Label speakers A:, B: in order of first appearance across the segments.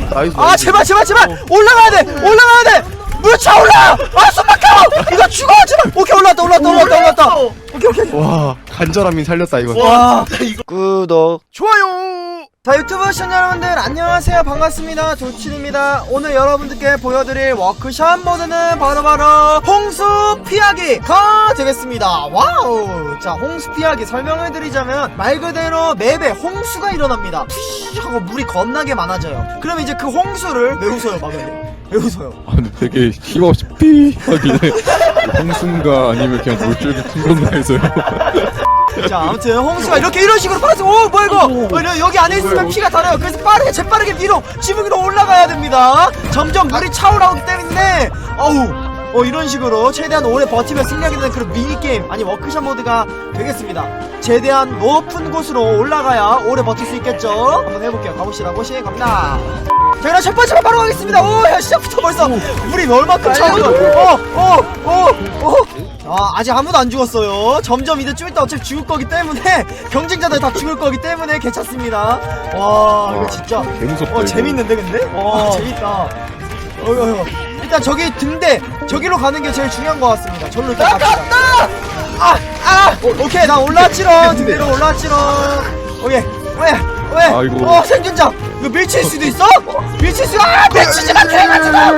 A: 나이스.
B: 아 제발 올라가야 돼. 물차 올라. 아 숨 막혀. 이거 죽어 제발. 오케이 올랐다. 오케이.
A: 와 간절함이 살렸다 이거.
B: 와
C: 이거
B: 구독 좋아요. 자 유튜브 시청자 여러분들 안녕하세요, 반갑습니다. 조친입니다. 오늘 여러분들께 보여드릴 워크샵 모드는 바로 홍수 피하기가 되겠습니다. 와우. 자 홍수 피하기 설명해드리자면 말 그대로 맵에 홍수가 일어납니다. 푸쉬 하고 물이 겁나게 많아져요. 그럼 이제 그 홍수를 왜 웃어요 마그님? 왜 웃어요?
D: 아 근데 되게 힘없이 삐 하길래 홍순가 아니면 그냥 물줄기 큰 건가 해서요.
B: 자 아무튼 홍수가 이런 식으로 파란색. 오 뭐야 이거. 여기 안에 있으면 피가 달아요. 그래서 재빠르게 위로 지붕 위로 올라가야 됩니다. 점점 물이 차오르기 때문에 이런 식으로 최대한 오래 버티면 승리하게 되는 그런 미니게임 아니 워크샵 모드가 되겠습니다. 최대한 높은 곳으로 올라가야 오래 버틸 수 있겠죠. 한번 해볼게요. 가봅시다. 갑니다. 자 그럼 첫 번째로 바로 가겠습니다. 오야 시작부터 벌써 물이 얼마큼 차오르고 아직 아무도 안 죽었어요. 점점 이제 좀 이따 어차피 죽을 거기 때문에 경쟁자들 다 죽을 거기 때문에 괜찮습니다. 와 이거 진짜
D: 개무섭다.
B: 재밌는데 근데? 와 재밌다. 일단 저기 등대 저기로 가는 게 제일 중요한 것 같습니다. 저로 일단 갑시다. 오케이 나 올라왔지롱. 등대로 올라왔지롱. 오케이 왜?
D: 아이고.
B: 생존자 이거 밀칠 수도 있어? 밀치지마 개가지마.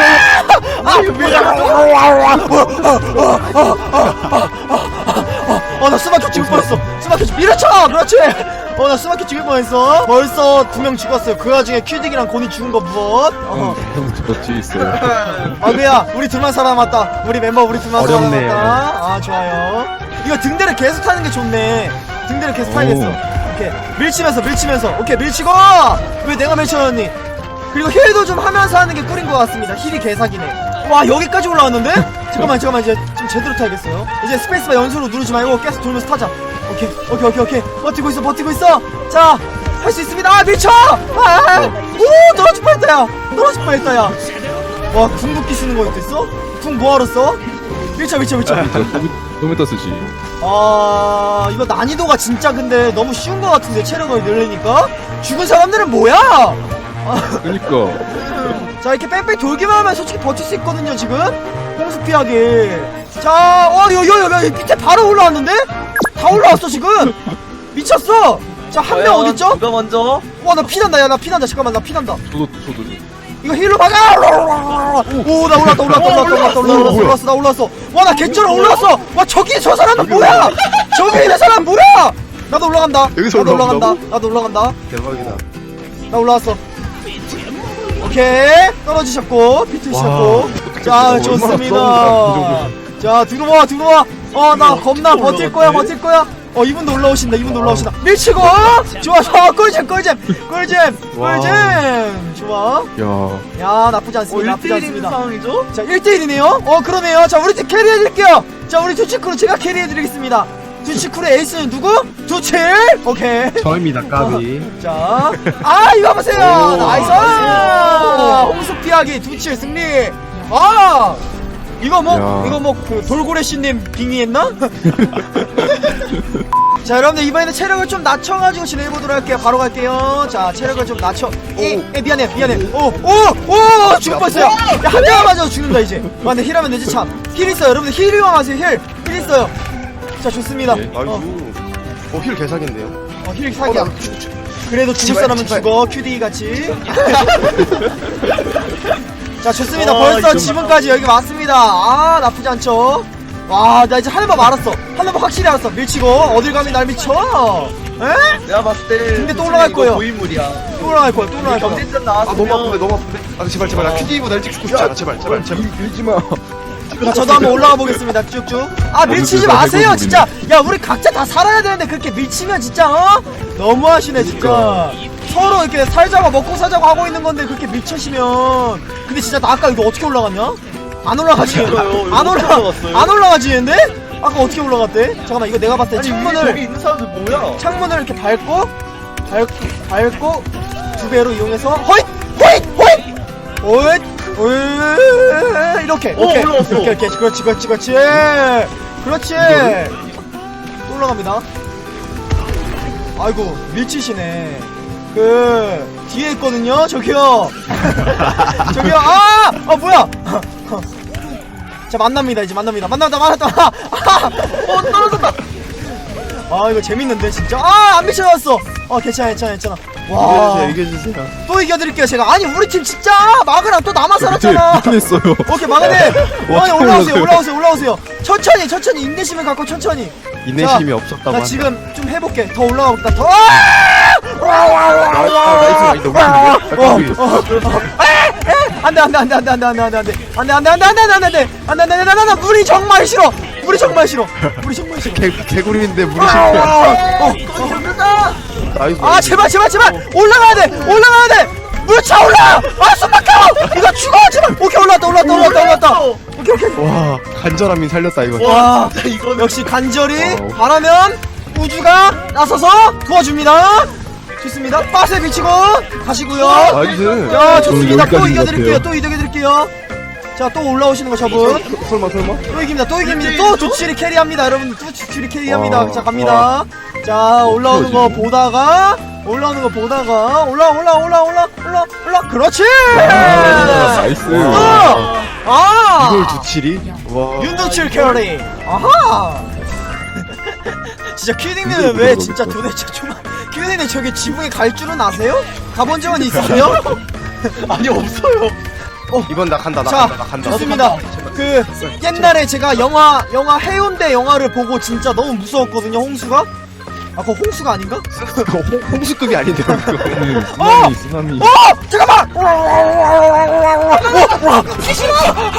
B: 나 스마트 죽을 뻔했어. 밀어쳐. 그렇지. 나 스마트 죽을 뻔했어. 벌써 2명 죽었어요. 그 와중에 큐딕이랑 곤이 죽은 거 무엇?
D: 형 뒤에 있어요.
B: 아그야 우리 둘만 살아남았다. 우리 멤버 우리 둘만
A: 어렵네요.
B: 살아남았다. 좋아요. 이거 등대를 계속 타는 게 좋네. 등대를 계속 타야겠어. 오케이 밀치면서 오케이 밀치고. 왜 내가 밀쳐놨니? 그리고 힐도 좀 하면서 하는 게 꿀인 것 같습니다. 힐이 개사기네. 와 여기까지 올라왔는데? 잠깐만 이제 좀 제대로 타야겠어요. 이제 스페이스바 연속으로 누르지 말고 계속 돌면서 타자. 오케이 버티고 있어. 자 할 수 있습니다. 밀쳐. 오 떨어질 뻔했다 야. 와 궁극기 쓰는 거 있어? 궁 뭐하러 써? 밀쳐.
D: 토메타 쓰지.
B: 이거 난이도가 진짜 근데 너무 쉬운 것 같은데 체력을 늘리니까? 죽은 사람들은 뭐야?
D: 그니까.
B: 자 이렇게 뺑뺑 돌기만 하면 솔직히 버틸 수 있거든요 지금. 홍수 피하기. 자 여기 밑에 바로 올라왔는데? 다 올라왔어 지금. 미쳤어. 자 한 명 어딨죠?
C: 누가 먼저?
B: 와 나 피난다. 야 나 피난다. 잠깐만 나 피난다.
D: 저도.
B: 이거 힐로 막아! 오, 나 올랐어. 나 올랐어. 와, 나 개쩔어 올랐어. 와, 저 사람은 뭐야? 저기 있는 사람 뭐야? 나도 올라간다.
A: 여기서
B: 나도 올라간다.
A: 대박이다.
B: 나 올라왔어. 오케이. 떨어지셨고, 비트셨고. 자, 좋습니다. 자, 들어와. 나 겁나 버틸 거야. 이분도 올라오신다. 밀치고! 좋아. 꿀잼. 좋아. 야, 나쁘지 않습니다.
C: 1대1 상황이죠?
B: 자, 1대1이네요? 그러네요. 자, 우리 팀 캐리해드릴게요. 자, 우리 두치크루 제가 캐리해드리겠습니다. 두치크루의 에이스는 누구? 두칠! 오케이.
A: 저입니다 까비.
B: 자, 이거 보세요. 나이스! 홍수 피하기 두칠 승리. 이거 그 돌고래씨님 빙의했나? 자 여러분들 이번에는 체력을 좀 낮춰가지고 진행해보도록 할게요. 바로 갈게요. 자 체력을 좀 낮춰. 미안해. 오 죽을 뻔했어요. 한 대만 맞아도 죽는다 이제. 근데 힐하면 되지 참. 힐 있어요 여러분들. 힐 이용하세요. 힐 있어요. 자 좋습니다.
A: 힐 개사기인데요.
B: 힐 사기야. 그래도 죽을 사람은 죽어. QD 같이. 자 좋습니다. 벌써 지붕까지 여기 왔습니다. 나쁘지 않죠. 와 나 이제 하늘밥 알았어. 하늘밥 확실히 알았어. 밀치고 어딜 감히 날 미쳐. 에?
C: 내가 봤을 때
B: 근데 또 올라갈 거예요.
C: 고인물이야.
B: 또 올라갈 거야.
C: 경쟁전 나왔으면
A: 너무 아픈데. 제발 나 큐디보다 일찍 죽고 싶지 않아. 제발.
D: 밀지마.
B: 자 저도 한번 올라가 보겠습니다. 쭉쭉. 밀치지 마세요 진짜. 야 우리 각자 다 살아야 되는데 그렇게 밀치면 진짜 너무하시네 진짜. 서로 이렇게 살자고 먹고 사자고 하고 있는 건데 그렇게 밀치시면. 근데 진짜 나 아까 이거 어떻게 올라갔냐? 안 올라가지. 안 올라가지는데? 아까 어떻게 올라갔대? 잠깐만 이거 내가 봤을 때 창문을
C: 여기 있는 사람들 뭐야?
B: 창문을 이렇게 밟고 2배로 이용해서 호잇 이렇게 오케이
C: 올라왔어.
B: 이렇게 그렇지 또 올라갑니다. 아이고 밀치시네. 뒤에 있거든요. 저기요. 저기요. 뭐야? 자, 만납니다. 이제 만납니다. 만났다. 떨어졌다. 이거 재밌는데 진짜. 안 미쳐졌어. 괜찮아. 와,
A: 이겨주세요.
B: 또 이겨드릴게요 제가. 아니 우리 팀 진짜 마그랑 또 남아 살았잖아.
D: 미쳐냈어요.
B: 오케이 마그네.
D: 와,
B: 아니 올라오세요. 천천히 인내심을 갖고 천천히.
A: 인내심이 없었다고
B: 나
A: 한다.
B: 지금 좀 해볼게. 더 올라가 볼까? 더. 안돼. 물이 정말 싫어.
A: 개구리인데 물이 실패. 나이스.
B: 제발 올라가야 돼. 물 차올라. 숨 막혀. 이거 죽어 제발. 오케이 올라왔다. 오케이.
A: 와, 간절함이 살렸다 이거.
B: 와, 역시 간절히 바라면 우주가 나서서 도와줍니다. 좋습니다. 빠세 미치고 가시고요.
A: 나이스.
B: 야, 좋습니다. 또
D: 여기까지인 것
B: 이겨드릴게요. 자, 또 올라오시는 거 저분.
A: 설마.
B: 또 이깁니다. 또 두칠이 캐리합니다. 여러분, 두칠이 캐리합니다. 자, 갑니다. 자, 올라오는 거 보다가 올라. 그렇지.
D: 나이스.
A: 이걸 두칠이? 와.
B: 윤두칠 캐리. 아하. 진짜 큐닝님은 왜 진짜 도대체 큐닝님 저기 지붕에 갈 줄은 아세요? 가본 적은 있으세요?
C: 아니 없어요.
A: 이번 나 간다.
B: 자, 좋습니다. 그 옛날에 제가 영화 해운대 영화를 보고 진짜 너무 무서웠거든요. 홍수가? 그거 홍수가 아닌가?
A: 홍수급이 아닌데.
D: 쓰나미.
B: 잠깐만! 귀신아!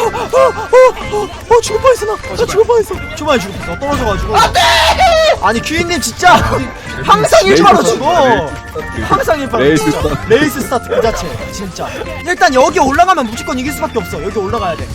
B: 죽을 뻔했어, 나 죽을 뻔했어. 초반에 죽을 뻔했어. 떨어져가지고. 안 돼! 아니, 큐인님 진짜 항상 1차로 죽어. 항상 1차로
D: 레이스
B: 진짜.
D: 스타트.
B: 레이스 스타트 그 자체. 진짜. 일단 여기 올라가면 무조건 이길 수밖에 없어. 여기 올라가야 돼.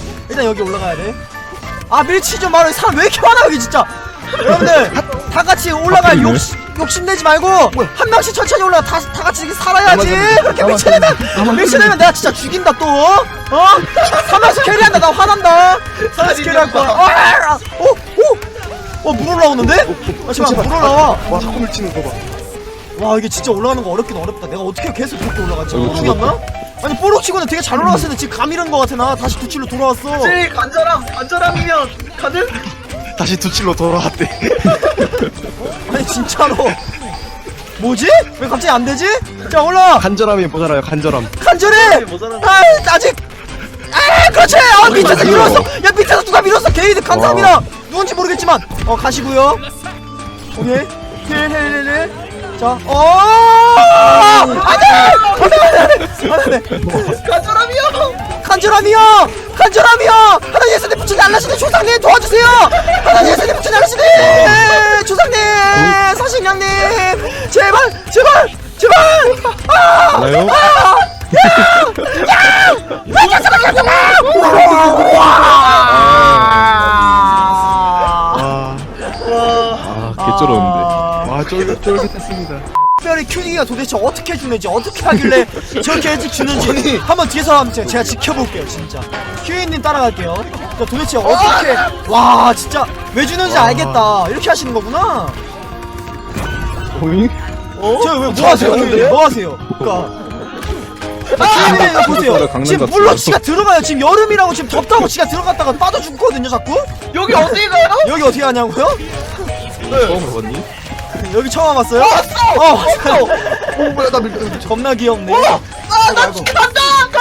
B: 밀치 좀 말아. 사람 왜 이렇게 많아, 여기 진짜. 여러분들, 다 같이 올라갈 욕심내지 말고 한 명씩 천천히 올라가. 다 같이 이렇게 살아야지. 그렇게 미쳐내면 내가 진짜 죽인다 또. 한 명씩 캐리한다. 나 화난다. 3명씩 캐리할 거야. 물 올라오는데? 잠깐만, 물 올라와.
A: 와, 자꾸 밀치는 거 봐.
B: 와, 이게 진짜 올라가는 거 어렵긴 어렵다. 내가 어떻게 계속 그렇게 올라갔지? 뽀록이었나? 아니, 뽀록치고는 되게 잘 올라갔었는데 지금 감 잃은 거 같아. 나 다시 두칠로 돌아왔어.
C: 제일 간절함이면 가능?
A: 다시 두칠로 돌아왔대.
B: 아니, 진짜로. 뭐지? 왜 갑자기 안 되지? 자, 올라.
A: 간절함이 모자라요. 간절함.
B: 간절해.
C: 모자란
B: 아직. 그렇지. 밑에서 밀었어. 야, 밑에서 누가 밀었어? 게이드 감사합니다. 누군지 모르겠지만. 가시고요. 오케이. 힐. 자, 안돼. 간절함이요. 하나님 예수님 부처님 알라시네 조상님 도와주세요. 하나님 예수님 부처님 알라시네 조상님 사신양님 제발.
D: 알아요? 개쩔었는데.
A: 와, 쫄깃했습니다.
B: 특별히 큐닝이가 도대체 어떻게 주는지 어떻게 하길래 저렇게 일찍 주는지 한번 뒤에서 한번 제가 지켜볼게요. 진짜 큐닝님 따라갈게요. 도대체 어떻게 와 진짜 왜 주는지 알겠다. 이렇게 하시는 거구나.
A: 오잉?
B: 저왜 뭐 하세요? 그러니까 큐닝님 이거 보세요.
D: 강남
B: 지금
D: 같은
B: 물로
D: 거.
B: 지가 들어가요. 지금 여름이라고 지금 덥다고 지가 들어갔다가 빠져 죽거든요. 자꾸
C: 여기 어디 가요?
B: 여기 어떻게 하냐고요?
D: 처음 와봤니?
B: 여기 처음 와봤어요?
C: 왔어.
A: 뭐야, 나 밀.
B: 겁나 귀엽네.
C: 나 간다.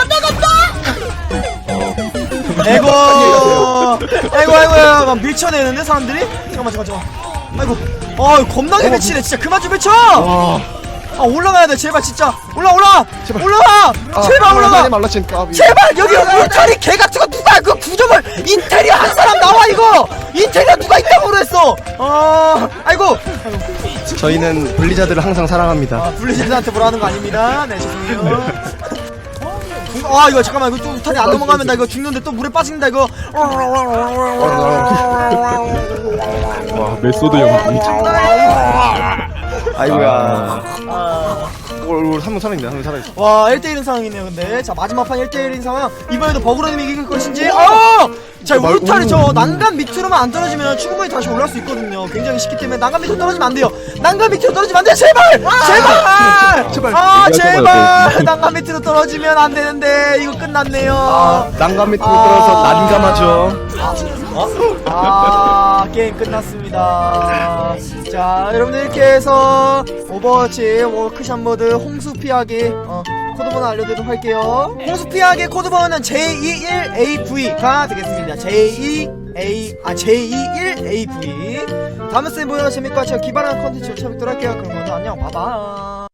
B: 아이고 막 밀쳐내는데 사람들이? 잠깐만 아이고 겁나게 밀치네. 진짜 그만 좀 밀쳐. 올라가야 돼. 제발 진짜 올라가. 제발 올라가.
A: 말라친 까비.
B: 제발 여기 울타리 개 같은 거 누가 그 구조물 인테리어 한 사람 나와. 이거 인테리어 누가 있다고 그랬어. 아이고
A: 저희는 블리자드를 항상 사랑합니다.
B: 블리자드한테 뭐라는 거 아닙니다. 네, 죄송해요. 이거 잠깐만. 이거 좀 울타리 안 넘어가면 나 이거 죽는데 또 물에 빠진다 이거.
D: 와, 메소드 연기.
A: 아이고야. 한명 살아있네. 한명 살아있어.
B: 와 1대1인 상황이네요. 근데 자 마지막 판 1대1인 상황. 이번에도 버그로님이 이길 것인지. 자 울타리 저 난간 밑으로만 안 떨어지면 충분히 다시 올라올 수 있거든요. 굉장히 쉽기 때문에 난간 밑으로 떨어지면 안 돼요. 난간 밑으로 떨어지면 안 돼. 제발 제발 제발 난간 밑으로 떨어지면 안 되는데 이거 끝났네요.
A: 난간 밑으로 들어서 난감하죠.
B: 게임 끝났습니다. 자 여러분들 이렇게 해서 오버워치 워크샵 모드 홍수 피하기 코드번호 알려드리도록 할게요. 홍수 피하기 코드번호는 J21AV가 되겠습니다. J21AV. 다음 쌤 보여 재밌고 제가 기발한 컨텐츠로 찾아뵙도록 할게요. 그럼 오늘 안녕 바이바이.